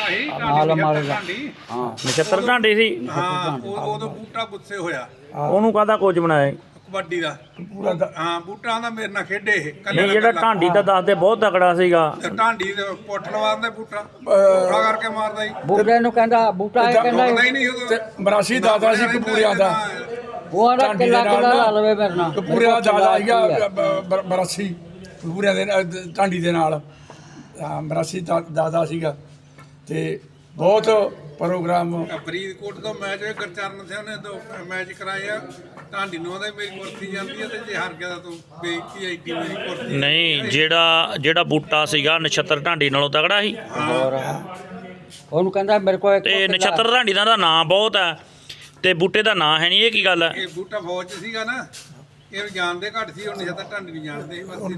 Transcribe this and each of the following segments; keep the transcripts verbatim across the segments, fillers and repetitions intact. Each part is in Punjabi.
ਮਾਲ ਮਾਰੇਗਾ ਹਾਂ ਨਛੱਤਰ ਢਾਂਡੀ ਸੀ ਹਾਂ ਉਦੋਂ ਬੂਟਾ ਗੁੱਸੇ ਹੋਇਆ ਉਹਨੂੰ ਕਾਹਦਾ ਕੋਚ ਬਣਾਇਆ ਕਬੱਡੀ ਦਾ ਹਾਂ ਬੂਟਾ ਦਾ ਮੇਰੇ ਨਾਲ ਖੇਡੇ ਇਹ ਨਹੀਂ ਜਿਹੜਾ ਢਾਂਡੀ ਦਾ ਦੱਸਦੇ ਬਹੁਤ ਤਕੜਾ ਸੀਗਾ ਢਾਂਡੀ ਦੇ ਪੁੱਠ ਲਵਾਉਂਦੇ ਬੂਟਾ ਪੁੱਠਾ ਕਰਕੇ ਮਾਰਦਾ ਸੀ ਬੂਟੇ ਨੂੰ ਕਹਿੰਦਾ ਬੂਟਾ ਇਹ ਕਹਿੰਦਾ ਨਹੀਂ ਨਹੀਂ ਉਦੋਂ ਮਰਾਸੀ ਦਾਦਾ ਸੀ ਕਪੂਰਿਆਂ ਦਾ ਉਹ ਆਂਦਾ ਕਿੱਲਾ ਕਿੱਲਾ ਲਾ ਲਵੇ ਮੇਰੇ ਨਾਲ ਕਪੂਰਿਆਂ ਦਾ ਦਾਦਾ ਸੀਗਾ ਮਰਾਸੀ ਕਪੂਰਿਆਂ ਦੇ ਢਾਂਡੀ ਦੇ ਨਾਲ ਮਰਾਸੀ ਦਾਦਾ ਸੀਗਾ ਤੇ ਬਹੁਤ ਪ੍ਰੋਗਰਾਮ ਫਰੀਦਕੋਟ ਤੋਂ ਮੈਚ ਹੋਇਆ ਗੁਰਚਰਨ ਸਿੰਘ ਨੇ ਦੋ ਮੈਚ ਕਰਾਏ ਆ ਢਾਂਡੀ ਨੂੰ ਉਹਦਾ ਮੇਰੀ ਕੁਰਸੀ ਜਾਂਦੀ ਹੈ ਤੇ ਜੇ ਹਾਰ ਗਿਆ ਤਾਂ ਤੂੰ ਬੇਇੱਜ਼ਤੀ ਆਈਡੀ ਮੇਰੀ ਕੁਰਸੀ ਨਹੀਂ ਜਿਹੜਾ ਜਿਹੜਾ ਬੂਟਾ ਸੀਗਾ ਨਛੱਤਰ ਢਾਂਡੀ ਨਾਲੋਂ ਤਕੜਾ ਸੀ ਹੋਰ ਉਹਨੂੰ ਕਹਿੰਦਾ ਮੇਰੇ ਕੋਲ ਤੇ ਨਛੱਤਰ ਢਾਂਡੀ ਦਾ ਤਾਂ ਨਾਂ ਬਹੁਤ ਹੈ ਤੇ ਬੂਟੇ ਦਾ ਨਾਂ ਹੈ ਨਹੀਂ ਇਹ ਕੀ ਗੱਲ ਹੈ ਇਹ ਬੂਟਾ ਫੌਜ 'ਚ ਸੀਗਾ ਨਾ ਇਹ ਜਾਣਦੇ ਘੱਟ ਸੀ ਹੁਣ ਨਛੱਤਰ ਢਾਂਡੀ ਨਹੀਂ ਜਾਣਦੇ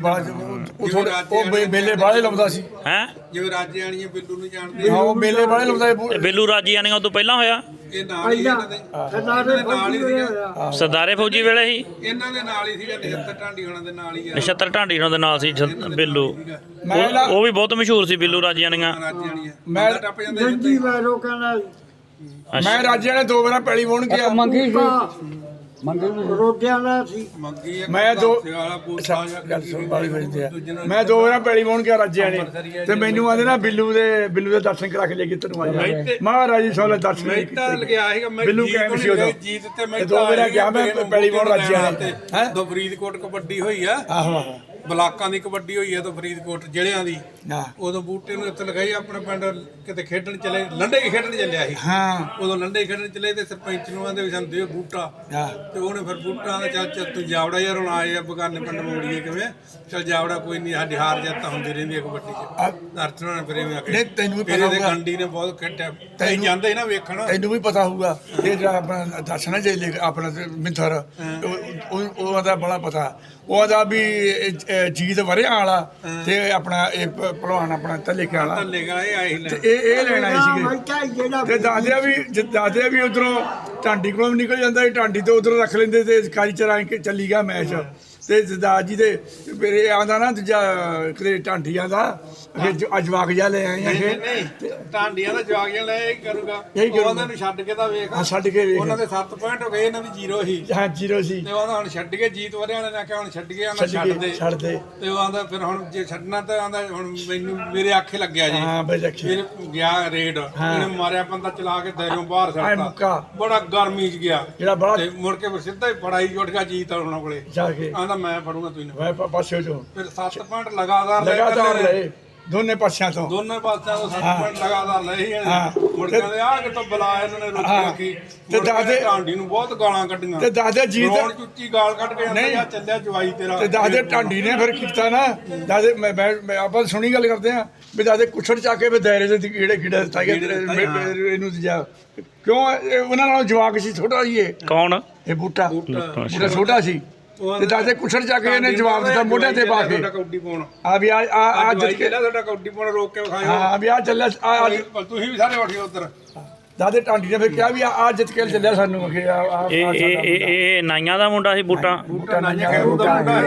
ਉਹ ਮੇਲੇ ਬਾਹਲੇ ਲਾਉਂਦਾ ਸੀ ਹੈ ਜਿਵੇਂ ਰਾਜੇ ਵਾਲੀਆਂ ਬਿੱਲੂ ਨੂੰ ਜਾਣਦੇ ਹਾਂ ਉਹ ਮੇਲੇ ਬਾਹਲੇ ਲਾਉਂਦਾ ਤੇ ਬੇਲੂ ਰਾਜੀਆਣੀਆਂ ਤੋਂ ਪਹਿਲਾਂ ਹੋਇਆ ਇਹ ਨਾਲ ਹੀ ਇਹਨਾਂ ਦੇ ਨਾਲ ਹੀ ਸੀਗਾ ਸਰਦਾਰੇ ਫੌਜੀ ਵੇਲੇ ਸੀ ਇਹਨਾਂ ਦੇ ਨਾਲ ਹੀ ਸੀਗਾ ਨਛੱਤਰ ਢਾਂਡੀ ਹੋਣਾ ਦੇ ਨਾਲ ਹੀ ਆ ਨਛੱਤਰ ਢਾਂਡੀ ਉਹਨਾਂ ਦੇ ਨਾਲ ਸੀ ਜ- ਬੇਲੂ ਮੈਂ ਉਹ ਉਹ ਵੀ ਬਹੁਤ ਮਸ਼ਹੂਰ ਸੀ ਬੇਲੂ ਰਾਜੀਆਣੀਆਂ ਰਾਜੇ ਵਾਲੀਆਂ ਮੈਂ ਟੱਪ ਜਾਂਦੇ ਜਿੱਤੇ ਮੈਂ ਰਾਜੇ ਨੇ ਦੋ ਵਾਰ ਪੈਲੀ ਵਾਹੁਣ ਗਿਆ ਮੰਗੀ ਸੀ ਮੰਗੀ ਰੋਟੀਆਂ ਦਾ ਸੀ ਮੰਗੀ ਇੱਕ ਮੈਂ ਦੋ ਵਾਲਾ ਬੂਟਾ ਗੱਲ ਸੁਣ ਵਾਲੀ ਵਜਦੇ ਆ ਮੈਂ ਦੋ ਵਾਰ ਪੈਲੀ ਵਾਹੁਣ ਗਿਆ ਰਾਜੇ ਨੇ ਤੇ ਮੈਨੂੰ ਆਂਦੇ ਨਾ ਬਿੱਲੂ ਦੇ ਬਿੱਲੂ ਦੇ ਦਰਸ਼ਨ ਕਰਾ ਕੇ ਲੈ ਕੇ ਤੈਨੂੰ ਆ ਜਾ ਮਹਾਰਾਜ ਜੀ ਸੋਲੇ ਦਰਸ਼ਨ ਮੈਂ ਤਾਂ ਲਗਿਆ ਸੀਗਾ ਮੈਂ ਬਿੱਲੂ ਜੀਤ ਕਹਿਣ ਸੀ ਉਦੋਂ ਜੀਤ ਤੇ ਮੈਂ ਦੋ ਵਾਰ ਗਿਆ ਮੈਂ ਪੈਲੀ ਵਾਹੁਣ ਰਾਜੇ ਨੇ ਹੈ ਦੋ ਫਰੀਦਕੋਟ ਕਬੱਡੀ ਹੋਈ ਆ ਆਹੋ ਆਹੋ ਬਲਾਕਾਂ ਦੀ ਕਬੱਡੀ ਹੋਈ ਆ ਤਾਂ ਫਰੀਦਕੋਟ ਜ਼ਿਲ੍ਹਿਆਂ ਦੀ ਹਾਂ ਉਦੋਂ ਬੂਟੇ ਨੂੰ ਇੱਥੇ ਲਗਾਈ ਆਪਣੇ ਪਿੰਡ ਕਿਤੇ ਖੇਡਣ ਚਲੇ ਲੰਡੇ ਹੀ ਖੇਡਣ ਚੱਲਿਆ ਸੀ ਹਾਂ ਉਦੋਂ ਲੰਡੇ ਹੀ ਖੇਡਣ ਚਲੇ ਤੇ ਸਰਪੰਚ ਨੂੰ ਆਂਦੇ ਵੀ ਸਾਨੂੰ ਦਿਓ ਬੂਟਾ ਹਾਂ ਤੇ ਉਹਨੇ ਫਿਰ ਬੂਟਾ ਦਾ ਚੱਲ ਚੱਲ ਤੂੰ ਜਾਵੜਾ ਯਾਰ ਹੁਣ ਆਏ ਆ ਬਗਾਨੇ ਪਿੰਡ ਮੋੜੀਏ ਕਿਵੇਂ ਚੱਲ ਜਾਵੜਾ ਕੋਈ ਨਹੀਂ ਸਾਡੀ ਹਾਰ ਜਿੱਤ ਤਾਂ ਹੁੰਦੀ ਰਹਿੰਦੀ ਹੈ ਕਬੱਡੀ 'ਚ ਦਰਸ਼ਨਾਂ ਨੇ ਫਿਰ ਐਵੇਂ ਆਖੇ ਨਹੀਂ ਤੈਨੂੰ ਵੀ ਪਤਾ ਇਹਦੇ ਹੋਊਗਾ ਗੰਡੀ ਨੇ ਬਹੁਤ ਖੇਡਿਆ ਤੈਨੂੰ ਜਾਂਦੇ ਨਾ ਵੇਖਣ ਤੈਨੂੰ ਵੀ ਪਤਾ ਹੋਊਗਾ ਇਹ ਜਿਹੜਾ ਆਪਣਾ ਦਰਸ਼ਨ ਜੇ ਲੈ ਆਪਣਾ ਮਿੰਥਰ ਉਹ ਉਹਦਾ ਬੜਾ ਪਤਾ ਉਹਦਾ ਵੀ ਜੀਤ ਵਰਿਆ ਵਾਲਾ ਤੇ ਆਪਣਾ ਇਹ ਭਲਵਾਨ ਆਪਣਾ ਤਲੇਕੇ ਵਾਲਾ ਥੱਲੇਗਾ ਇਹ ਆਏ ਲੈ ਤੇ ਇਹ ਇਹ ਲੈਣ ਆਏ ਸੀਗੇ ਤੇ ਦੱਸਦਿਆ ਵੀ ਦੱਸਦਿਆ ਵੀ ਉਧਰੋਂ ਢਾਂਡੀ ਕੋਲੋਂ ਨਿਕਲ ਜਾਂਦਾ ਸੀ ਢਾਂਡੀ ਤੋਂ ਉਧਰੋਂ ਰੱਖ ਲੈਂਦੇ ਤੇ ਕਾਲੀ ਚਰਾਂ ਕੇ ਚੱਲੀ ਗਿਆ ਮੈਚ ਤੇ ਜਦਾਦ ਜੀ ਦੇ ਫਿਰ ਇਹ ਆਉਂਦਾ ਨਾ ਦੂਜਾ ਕਿਤੇ ਢਾਂਡੀਆਂ ਦਾ ਅੱਜ ਵਾਕ ਜਾ ਲੈ ਆਏ ਆ ਨਹੀਂ ਢਾਂਡੀਆਂ ਦਾ ਜਵਾਗੀਆਂ ਲੈ ਇਹ ਕਰੂਗਾ ਇਹੀ ਕਰੂਗਾ। ਉਹਨਾਂ ਨੂੰ ਛੱਡ ਕੇ ਤਾਂ ਵੇਖ ਹਾਂ ਛੱਡ ਕੇ ਵੇਖ ਉਹਨਾਂ ਦੇ ਸੱਤ ਪੁਆਇੰਟ ਹੋ ਗਏ ਇਹਨਾਂ ਦੀ ਜ਼ੀਰੋ ਸੀ ਹਾਂ ਜੀਰੋ ਸੀ ਤੇ ਉਹਦਾ ਹੁਣ ਛੱਡ ਕੇ ਜੀਤ ਵਰਿਆ ਨੇ ਆਖਿਆ ਹੁਣ ਛੱਡ ਗਿਆ ਨਾ ਛੱਡ ਛੱਡ ਕੇ ਦੇ ਛੱਡ ਦੇ ਤੇ ਉਹ ਆਂਦਾ ਫਿਰ ਹੁਣ ਜੇ ਛੱਡਣਾ ਤਾਂ ਆਂਦਾ ਹੁਣ ਮੈਨੂੰ ਮੇਰੇ ਆਖੇ ਲੱਗਿਆ ਜੀ ਹਾਂ ਬਈ ਰੱਖੀ ਫਿਰ ਗਿਆ ਰੇਡ ਇਹਨੇ ਮਾਰਿਆ ਬੰਦਾ ਚਲਾ ਕੇ ਦਾਇਰੋਂ ਬਾਹਰ ਆਏ ਛੱਡਤਾ ਮੁੱਕਾ ਬੜਾ ਗਰਮੀ ਚ ਗਿਆ ਜਿਹੜਾ ਬੜਾ ਤੇ ਮੁੜ ਕੇ ਫਿਰ ਸਿੱਧਾ ਹੀ ਫੜਾਈ ਉੱਠ ਗਿਆ ਜੀਤ ਉਹਨਾਂ ਕੋਲੇ ਜਾ ਕੇ ਆਂਦਾ ਮੈਂ ਫੜੂੰਗਾ ਤੂੰ ਮੈਂ ਪ- ਪਾਸੇ ਜੋ ਫਿਰ ਸੱਤ ਪੁਆਇੰਟ ਲਗਾਤਾਰ ਲੈ ਲਗਾਤਾਰ ਇਕੱਲੇ ਨੇ। ਲਏ ਦੋਨੇ ਪਾਸਿਆਂ ਤੋਂ ਦੋਨੇ ਪਾਸਿਆਂ ਤੋਂ ਸੱਤ ਪੁਆਇੰਟ ਲਗਾਤਾਰ ਲਏ ਹੀ ਹਾਂ। ਮੁੜ ਕੇ ਆ ਕਿਤੋਂ ਬੁਲਾਇਆ ਇਹਨਾਂ ਨੇ ਰੋਟੀ ਹਾਂ। ਰੱਖੀ ਤੇ ਦਾਦੇ- ਢਾਂਡੀ ਨੂੰ ਬਹੁਤ ਗਾਲਾਂ ਕੱਢੀਆਂ ਤੇ ਦਾਦੇ ਜੀਤ ਰੋਣ ਚੁੱਚੀ ਗਾਲ ਕੱਢ ਕੇ ਨਹੀਂ। ਆਂਦਾ ਚੱਲਿਆ ਜਵਾਈ ਤੇਰਾ ਤੇ ਦਾਦੇ ਢਾਂਡੀ ਨੇ ਫਿਰ ਕੀਤਾ ਨਾ ਦਾਦੇ ਮੈਂ ਮੈਂ ਮੈਂ ਆਪਾਂ ਸੁਣੀ ਗੱਲ ਕਰਦੇ ਆ ਵੀ ਦਾਦੇ ਕੁੱਛੜ ਚਾ ਕੇ ਵੀ ਦਾਇਰੇ ਦੇ ਕੀੜੇ ਕੀੜੇ ਦਿੱਤਾ ਗਿਆ ਇਹਨੂੰ ਜਾ ਕਿਉਂ ਇਹ ਉਹਨਾਂ ਨਾਲ ਜਵਾਕ ਸੀ ਛੋਟਾ ਸੀ ਇਹ ਕੌਣ ਇਹ ਬੂਟਾ ਬੂਟਾ ਛੋਟਾ ਸੀ ਤੇ ਦਾਦੇ ਕੁੱਛੜ ਚਾ ਕੇ ਇਹਨੇ ਜਵਾਬ ਦਿੱਤਾ ਮੋਢੇ ਤੇ ਪਾ ਕੇ ਤੁਹਾਡਾ ਕੌਡੀ ਪਾਉਣ ਆ ਵੀ ਆ ਆ ਅੱਜ ਜਿੱਤ ਕੇ ਤੁਹਾਡਾ ਕੌਡੀ ਪਾਉਣ ਰੋਕ ਕੇ ਵਿਖਾਇਓ ਹਾਂ ਵੀ ਆ ਚੱਲਿਆ ਆ ਅੱਜ ਤੁਸੀਂ ਵੀ ਸਾਰੇ ਉੱਠਿਓ ਉੱਧਰ ਦਾਦੇ ਢਾਂਡੀ ਨੇ ਫਿਰ ਕਿਹਾ ਵੀ ਆ ਜਿੱਤ ਕੇ ਚੱਲਿਆ ਸਾਨੂੰ ਕਿ ਆ ਆ ਇਹ ਇਹ ਇਹ ਇਹ ਨਾਈਆਂ ਦਾ ਮੁੰਡਾ ਸੀ ਬੂਟਾ ਬੂਟਾ ਨਾਈਆਂ ਖੈਰੂ ਦਾ ਮੁੰਡਾ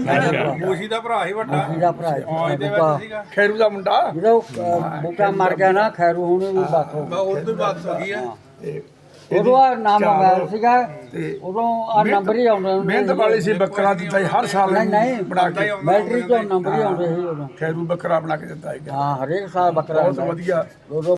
ਸੀ ਮੂਸੀ ਦਾ ਭਰਾ ਸੀ ਵੱਡਾ ਇਹਦਾ ਭਰਾ ਫੌਜ ਦੇ ਵਿੱਚ ਸੀਗਾ ਖੈਰੂ ਦਾ ਮੁੰਡਾ ਜਦੋਂ ਬੂਟਾ ਮਰ ਗਿਆ ਨਾ ਖੈਰੂ ਹੁਣ ਵੀ ਬਾਤ ਹੋ ਬਾ ਉਦੋਂ ਬਾਤ ਹੋ ਗਈ ਆ ਤੇ ਉਦੋਂ ਆ ਨਾਮ ਮੋਬਾਈਲ ਸੀਗਾ ਉਦੋਂ ਆ ਨੰਬਰ ਹੀ ਆਉਂਦੇ ਹੁੰਦੇ ਮਿਹਨਤ ਵਾਲੀ ਸੀ ਬੱਕਰਾ ਦਿੱਤਾ ਸੀ ਹਰ ਸਾਲ ਨਹੀਂ ਨਹੀਂ ਬਣਾ ਕੇ ਬੈਟਰੀ ਤੋਂ ਨੰਬਰ ਹੀ ਆਉਂਦੇ ਸੀ ਉਦੋਂ ਖੈਰੂ ਬੱਕਰਾ ਬਣਾ ਕੇ ਦਿੱਤਾ ਹੈਗਾ ਹਾਂ ਹਰੇਕ ਸਾਲ ਬੱਕਰਾ ਬਹੁਤ ਵਧੀਆ ਦੋ ਦੋ